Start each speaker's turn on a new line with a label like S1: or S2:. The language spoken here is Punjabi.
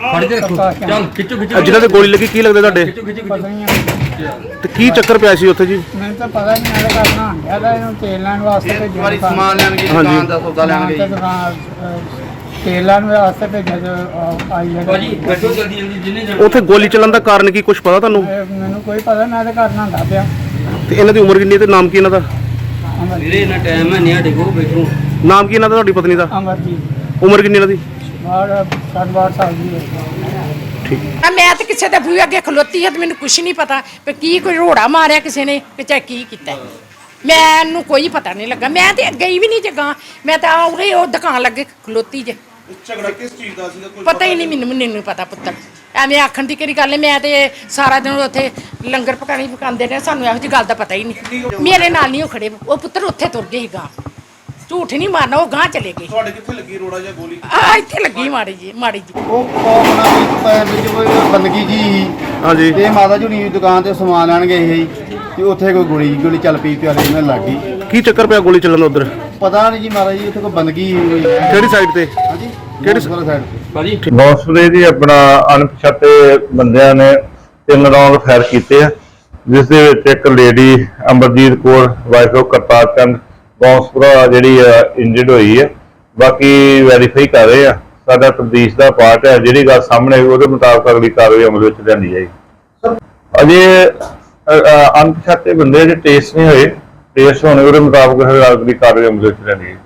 S1: ਫੜ ਕੇ ਰੱਖੋ ਚੱਲ ਖਿੱਚੋ ਖਿੱਚੋ
S2: ਜਿਨ੍ਹਾਂ ਤੇ ਗੋਲੀ ਲੱਗੀ ਕੀ ਲੱਗਦਾ ਤੁਹਾਡੇ
S3: ਪਤਾ ਨਹੀਂ
S2: ਤੇ ਕੀ ਚੱਕਰ ਪਿਆ ਸੀ ਉੱਥੇ ਜੀ?
S3: ਮੈਨੂੰ ਤਾਂ ਪਤਾ ਨਹੀਂ ਮੈਂ ਤਾਂ ਕਰਨਾ ਆਦਾ ਇਹਨੂੰ ਤੇਲ ਲੈਣ ਵਾਸਤੇ ਭੇਜਿਆ
S4: ਵਾਰੀ ਸਮਾਨ ਲੈਣ ਗਈ ਦੁਕਾਨ ਦਾ ਸੌਦਾ ਲੈਣ ਗਈ
S3: ਤੇਲ ਲੈਣ ਵਾਸਤੇ ਭੇਜਿਆ ਜੋ ਆਈ ਹੈ
S1: ਭਾਜੀ ਬੈਠੋ ਜਲਦੀ ਜਲਦੀ ਜਿੰਨੇ
S2: ਉੱਥੇ ਗੋਲੀ ਚੱਲਣ ਦਾ ਕਾਰਨ ਕੀ ਕੁਝ ਪਤਾ ਤੁਹਾਨੂੰ?
S3: ਮੈਨੂੰ ਕੋਈ ਪਤਾ ਮੈਂ ਤਾਂ ਕਰਨਾ ਹੁੰਦਾ ਪਿਆ
S2: ਤੇ ਇਹਨਾਂ ਦੀ ਉਮਰ ਕਿੰਨੀ ਹੈ ਤੇ ਨਾਮ ਕੀ ਇਹਨਾਂ ਦਾ?
S1: ਵੀਰੇ ਇਹਨਾਂ ਟਾਈਮ ਹੈ ਨਹੀਂ ਸਾਡੇ ਕੋਲ ਬੈਠੋ।
S2: ਨਾਮ ਕੀ ਇਹਨਾਂ ਦਾ ਤੁਹਾਡੀ ਪਤਨੀ ਦਾ?
S3: ਅਮਰਜੀਤ
S2: ਉਮਰ ਕਿੰਨੀ ਇਹਨਾਂ ਦੀ?
S3: 60 ਸਾਲ ਦੀ ਹੈ।
S2: ਠੀਕ।
S5: ਮੈਂ ਤਾਂ ਕਿਸੇ ਦੇ ਬੂਹੇ ਅੱਗੇ ਖਲੋਤੀ ਹਾਂ ਤੇ ਮੈਨੂੰ ਕੁਛ ਨਹੀਂ ਪਤਾ ਵੀ ਕੀ ਕੋਈ ਰੋੜਾ ਮਾਰਿਆ ਕਿਸੇ ਨੇ ਕਿ ਚਾਹੇ ਕੀ ਕੀਤਾ ਮੈਨੂੰ ਕੋਈ ਪਤਾ ਨਹੀਂ ਲੱਗਾ। ਮੈਂ ਤੇ ਗਈ ਵੀ ਨਹੀਂ ਜਗਾ, ਮੈਂ ਤਾਂ ਉਰੇ ਉਹ ਦੁਕਾਨ ਲੱਗੇ ਖਲੋਤੀ ਜੇ।
S4: ਝਗੜਾ ਕਿਸ ਚੀਜ਼ ਦਾ ਸੀਗਾ?
S5: ਪਤਾ ਹੀ ਨਹੀਂ ਮੈਨੂੰ ਪਤਾ ਪੁੱਤਰ ਐਵੇਂ ਆਖਣ ਦੀ ਕਿਹੜੀ ਗੱਲ ਹੈ। ਮੈਂ ਤੇ ਸਾਰਾ ਦਿਨ ਉੱਥੇ ਲੰਗਰ ਪਕਾਉਂਦੇ ਨੇ, ਸਾਨੂੰ ਇਹੋ ਜਿਹੀ ਗੱਲ ਦਾ ਪਤਾ ਹੀ ਨਹੀਂ। ਮੇਰੇ ਨਾਲ ਨਹੀਂ ਉਹ ਖੜੇ, ਉਹ ਪੁੱਤਰ ਉੱਥੇ ਤੁਰ ਗਏ ਸੀ ਗਾਂ, ਝੂਠ ਨਹੀਂ ਮਾਰਨਾ, ਉਹ ਗਾਂ ਚਲੇ ਗਏ।
S4: ਤੁਹਾਡੇ ਕਿੱਥੇ ਲੱਗੀ ਰੋੜਾ ਜਾਂ ਗੋਲੀ?
S5: ਇੱਥੇ ਲੱਗੀ ਮਾੜੀ ਜੀ।
S4: ਉਹ ਕੋਮਨਾ ਵਿੱਚ ਕੋਈ ਬੰਦਗੀ ਜੀ ਸੀ।
S2: ਹਾਂਜੀ।
S4: ਤੇ ਮਾਤਾ ਜੀ ਦੀ ਦੁਕਾਨ ਤੇ ਸਮਾਨ ਲੈਣ ਗਏ ਸੀ ਤੇ ਉੱਥੇ ਕੋਈ ਗੋਲੀ ਚੱਲ ਪਈ ਤੇ ਵਾਲੇ ਨਾਲ ਲੱਗ ਗਈ।
S2: ਕੀ ਚੱਕਰ ਪਿਆ ਗੋਲੀ ਚੱਲਣ ਦਾ ਉਧਰ?
S4: ਪਤਾ ਨਹੀਂ ਜੀ ਮਾਤਾ ਜੀ, ਉੱਥੇ ਕੋਈ ਬੰਦਗੀ ਹੋਈ।
S2: ਕਿਹੜੀ ਸਾਈਡ ਤੇ?
S4: ਹਾਂਜੀ
S2: ਕਿਹੜੀ
S4: ਸਾਈਡ ਤੇ?
S1: ਭਾਜੀ
S6: ਬੌਂਸਲੇ ਜੀ ਆਪਣਾ ਅਣਪਛਾਤੇ ਬੰਦਿਆਂ ਨੇ 3 ਰਾਉਂਡ ਫਾਇਰ ਕੀਤੇ ਆ, ਜਿਸ ਦੇ ਵਿੱਚ ਇੱਕ lady Amarjit Kaur wife of Kartar Chand Bounspura ਜਿਹੜੀ ਇੰਜਰਡ ਹੋਈ ਹੈ। ਬਾਕੀ ਵੈਰੀਫਾਈ ਕਰ ਰਹੇ ਆ, ਸਾਡਾ ਤਬਦੀਸ਼ ਦਾ ਪਾਰਟ ਹੈ। ਜਿਹੜੀ ਗੱਲ ਸਾਹਮਣੇ ਆਈ ਉਹਦੇ ਮੁਤਾਬਕ ਅਗਲੀ ਕਾਰਵਾਈ ਅਮਲ ਵਿੱਚ ਲਿਆਂਦੀ ਜਾਏਗੀ। ਅਜੇ ਅਣਪਛਾਤੇ ਬੰਦੇ ਜਿਹੜੇ ਟੇਸਟ ਨਹੀਂ ਹੋਏ, ਟੇਸਟ ਹੋਣੇ ਉਹਦੇ ਮੁਤਾਬਕ ਅਗਲੀ ਕਾਰਵਾਈ ਅਮਲ ਵਿੱਚ ਲਿਆਂਦੀ ਜਾਏਗੀ।